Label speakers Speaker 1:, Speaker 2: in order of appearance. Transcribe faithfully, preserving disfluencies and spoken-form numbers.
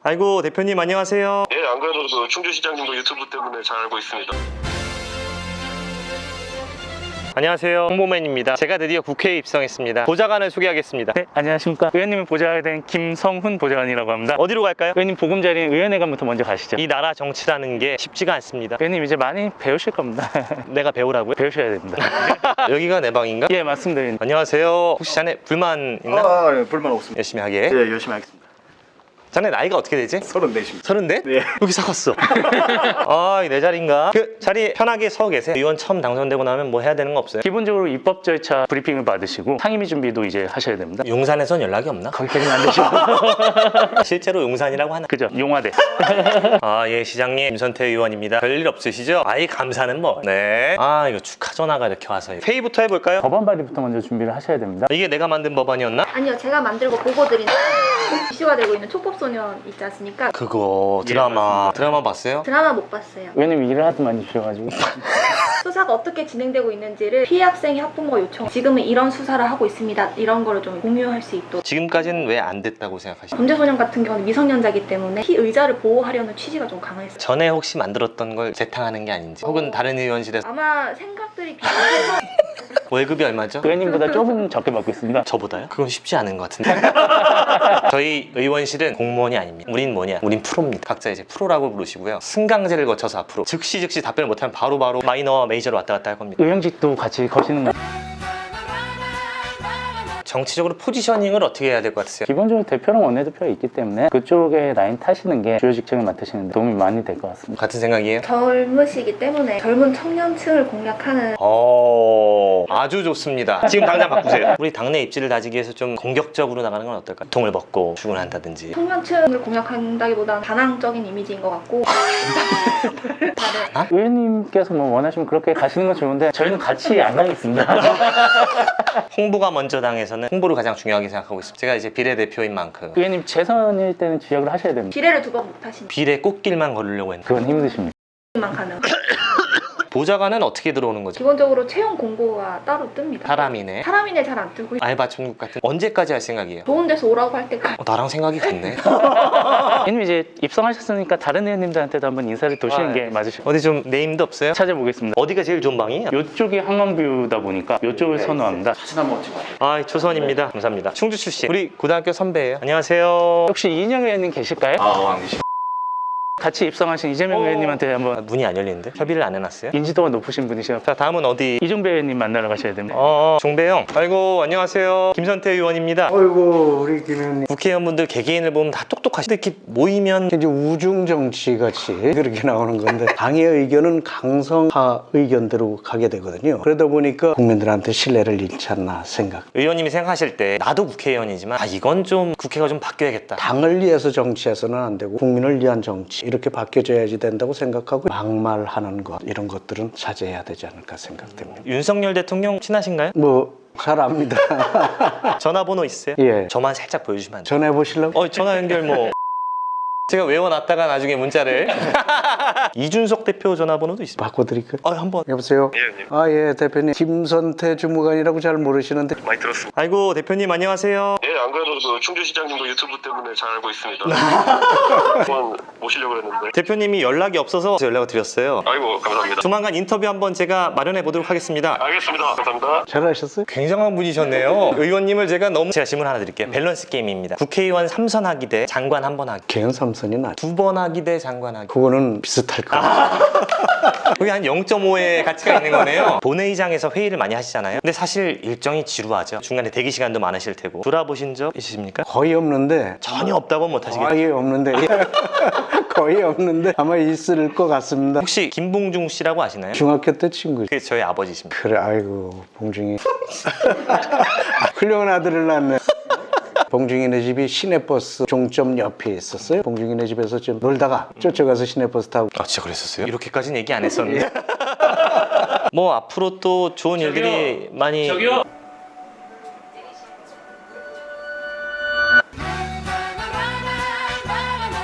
Speaker 1: 아이고 대표님 안녕하세요.
Speaker 2: 예, 안 그래도 그 충주시장님도 유튜브 때문에 잘 알고 있습니다.
Speaker 1: 안녕하세요, 홍보맨입니다. 제가 드디어 국회에 입성했습니다. 보좌관을 소개하겠습니다.
Speaker 3: 네, 안녕하십니까. 의원님을 보좌하게 된 김성훈 보좌관이라고 합니다.
Speaker 1: 어디로 갈까요?
Speaker 3: 의원님 보금자리인 의원회관부터 먼저 가시죠.
Speaker 1: 이 나라 정치라는 게 쉽지가 않습니다.
Speaker 3: 의원님 이제 많이 배우실 겁니다.
Speaker 1: 내가 배우라고요?
Speaker 3: 배우셔야 됩니다.
Speaker 1: 여기가 내 방인가?
Speaker 3: 예, 맞습니다. 의원님.
Speaker 1: 안녕하세요. 혹시 자네 불만 있나?
Speaker 4: 아, 예, 불만 없습니다.
Speaker 1: 열심히 하게.
Speaker 4: 예, 열심히 하겠습니다.
Speaker 1: 자네 나이가 어떻게 되지?
Speaker 4: 서른넷입니다.
Speaker 1: 서른넷?
Speaker 4: 네.
Speaker 1: 여기 사갔어. 아, 이 내 자리인가? 그 자리 편하게 서 계세요. 의원 처음 당선되고 나면 뭐 해야 되는 거 없어요?
Speaker 3: 기본적으로 입법 절차 브리핑을 받으시고 상임위 준비도 이제 하셔야 됩니다.
Speaker 1: 용산에선 연락이 없나?
Speaker 3: 거기까지는 안 되시고.
Speaker 1: 실제로 용산이라고 하나?
Speaker 3: 그죠? 용화대.
Speaker 1: 아, 예, 시장님 김선태 의원입니다. 별일 없으시죠? 아이, 감사는 뭐. 네. 아, 이거 축하 전화가 이렇게 와서. 회의부터 해볼까요?
Speaker 3: 법안 발의부터 먼저 준비를 하셔야 됩니다.
Speaker 1: 이게 내가 만든 법안이었나?
Speaker 5: 아니요, 제가 만들고 보고 드린 이슈가 되고 있는 촉법소년 있지 않습니까?
Speaker 1: 그거 드라마 드라마 봤어요?
Speaker 5: 드라마 못 봤어요.
Speaker 3: 의원님 일을 하도 많이 주셔가지고.
Speaker 5: 수사가 어떻게 진행되고 있는지를 피해 학생이 학부모가 요청, 지금은 이런 수사를 하고 있습니다, 이런 거를 좀 공유할 수 있도록.
Speaker 1: 지금까지는 왜 안 됐다고 생각하시나요?
Speaker 5: 범죄소년 같은 경우는 미성년자이기 때문에 피의자를 보호하려는 취지가 좀 강했어요.
Speaker 1: 전에 혹시 만들었던 걸 재탕하는 게 아닌지, 혹은 다른 의원실에서
Speaker 5: 아마 생각들이 비슷해서
Speaker 1: 월급이 얼마죠?
Speaker 3: 의원님보다 조금 적게 받고 있습니다.
Speaker 1: 저보다요? 그건 쉽지 않은 것 같은데. 저희 의원실은 공무원이 아닙니다. 우린 뭐냐? 우린 프로입니다. 각자 이제 프로라고 부르시고요. 승강제를 거쳐서 앞으로 즉시 즉시 답변을 못하면 바로바로 마이너와 메이저로 왔다 갔다 할 겁니다.
Speaker 3: 의원직도 같이 거시는 거.
Speaker 1: 정치적으로 포지셔닝을 어떻게 해야 될 것 같으세요?
Speaker 3: 기본적으로 대표랑 원내대표가 있기 때문에 그쪽에 라인 타시는 게 주요 직책을 맡으시는 데 도움이 많이 될 것 같습니다.
Speaker 1: 같은 생각이에요?
Speaker 5: 젊으시기 때문에 젊은 청년층을 공략하는.
Speaker 1: 어, 아주 좋습니다. 지금 당장 바꾸세요. 우리 당내 입지를 다지기 위해서 좀 공격적으로 나가는 건 어떨까요? 통을 벗고 출근한다든지.
Speaker 5: 청년층을 공략한다기보다는 반항적인 이미지인 것 같고. 다들
Speaker 3: 의원님께서 뭐 원하시면 그렇게 가시는 건 좋은데 저희는 같이 안 가겠습니다.
Speaker 1: 홍보가 먼저 당해서는 홍보를 가장 중요하게 생각하고 있습니다. 제가 이제 비례대표인 만큼
Speaker 3: 의원님 재선일 때는 지역을 하셔야 됩니다.
Speaker 5: 비례를 두 번 못하시는
Speaker 1: 비례 꽃길만 걸으려고 했는데
Speaker 5: 그
Speaker 3: 그건 힘드십니다.
Speaker 5: 만 가능.
Speaker 1: 보좌관은 어떻게 들어오는 거죠?
Speaker 5: 기본적으로 채용 공고가 따로 뜹니다.
Speaker 1: 사람이네.
Speaker 5: 사람인에 잘 안 뜨고
Speaker 1: 알바 천국 같은. 언제까지 할 생각이에요?
Speaker 5: 좋은 데서 오라고 할 때까지.
Speaker 1: 어, 나랑 생각이 같네.
Speaker 3: 의원님 이제 입성하셨으니까 다른 의원님들한테도 한번 인사를 도시는
Speaker 1: 아,
Speaker 3: 게 맞으실 것
Speaker 1: 어디 좀 네임도 없어요?
Speaker 3: 찾아보겠습니다.
Speaker 1: 어디가 제일 좋은 방이에요?
Speaker 3: 이쪽이 한강뷰다 보니까 이쪽을 선호합니다.
Speaker 1: 아, 조선입니다. 감사합니다. 충주 출신. 우리 고등학교 선배예요. 안녕하세요.
Speaker 3: 혹시 이인영 의원님 계실까요?
Speaker 4: 아, 안 계시.
Speaker 3: 같이 입성하신 이재명 의원님한테
Speaker 1: 아,
Speaker 3: 한번
Speaker 1: 문이 안 열리는데? 협의를 안 해놨어요?
Speaker 3: 인지도가 높으신 분이셔서
Speaker 1: 자, 다음은 어디?
Speaker 3: 이종배 의원님 만나러 가셔야 됩니다.
Speaker 1: 어, 종배형. 아이고, 안녕하세요. 김선태 의원입니다.
Speaker 6: 어이구 우리 김 의원님
Speaker 1: 국회의원분들 개개인을 보면 다 똑똑하시데 이렇게 모이면
Speaker 6: 이제 우중 정치 같이 그렇게 나오는 건데 당의 의견은 강성파 의견대로 가게 되거든요. 그러다 보니까 국민들한테 신뢰를 잃지 않나 생각.
Speaker 1: 의원님이 생각하실 때 나도 국회의원이지만 아, 이건 좀 국회가 좀 바뀌어야겠다.
Speaker 6: 당을 위해서 정치해서는 안 되고 국민을 위한 정치 이렇게 바뀌어져야지 된다고 생각하고 막말하는 것 이런 것들은 자제해야 되지 않을까 생각됩니다.
Speaker 1: 윤석열 대통령 친하신가요?
Speaker 6: 뭐 잘 압니다.
Speaker 1: 전화번호 있어요?
Speaker 6: 예.
Speaker 1: 저만 살짝 보여주시면 안 돼요?
Speaker 6: 전해 보실라고?
Speaker 1: 어, 전화 연결 뭐 제가 외워놨다가 나중에 문자를 이준석 대표 전화번호도 있습니다.
Speaker 6: 바꿔드릴까요?
Speaker 1: 어, 한번.
Speaker 6: 여보세요?
Speaker 2: 예, 형님.
Speaker 6: 아, 예, 대표님. 김선태 주무관이라고 잘 모르시는데
Speaker 2: 많이 들었습니다.
Speaker 1: 아이고 대표님 안녕하세요.
Speaker 2: 예, 안 그래도 그 충주시장님도 유튜브 때문에 잘 알고 있습니다. 한번 모시려고 했는데.
Speaker 1: 대표님이 연락이 없어서 연락을 드렸어요.
Speaker 2: 아이고, 감사합니다.
Speaker 1: 조만간 인터뷰 한번 제가 마련해 보도록 하겠습니다.
Speaker 2: 알겠습니다. 감사합니다.
Speaker 6: 잘하셨어요?
Speaker 1: 굉장한 분이셨네요. 의원님을 제가 너무 제가 질문 하나 드릴게요. 밸런스 게임입니다. 국회의원 삼 선 하기 대 장관 한 번 하기.
Speaker 6: 개헌 삼선이 나.
Speaker 1: 두 번 하기 대 장관 하기.
Speaker 6: 그거는 비슷할 것 같아요.
Speaker 1: 그게 한 영 점 오의 가치가 있는 거네요. 본회의장에서 회의를 많이 하시잖아요. 근데 사실 일정이 지루하죠. 중간에 대기 시간도 많으실 테고. 돌아보신 적 있으십니까?
Speaker 6: 거의 없는데
Speaker 1: 전혀 없다고 못 하시겠죠.
Speaker 6: 거의 없는데 거의 없는데 아마 있을 것 같습니다.
Speaker 1: 혹시 김봉중 씨라고 아시나요?
Speaker 6: 중학교 때 친구죠.
Speaker 1: 그게 저희 아버지십니다.
Speaker 6: 그래, 아이고 봉중이 훌륭한 아들을 낳네. 봉중이네 집이 시내버스 종점 옆에 있었어요. 봉중이네 집에서 좀 놀다가 쫓아가서 시내버스 타고.
Speaker 1: 아, 진짜 그랬었어요? 이렇게까지는 얘기 안 했었는데. 뭐 앞으로 또 좋은 일들이 많이.
Speaker 3: 저기요.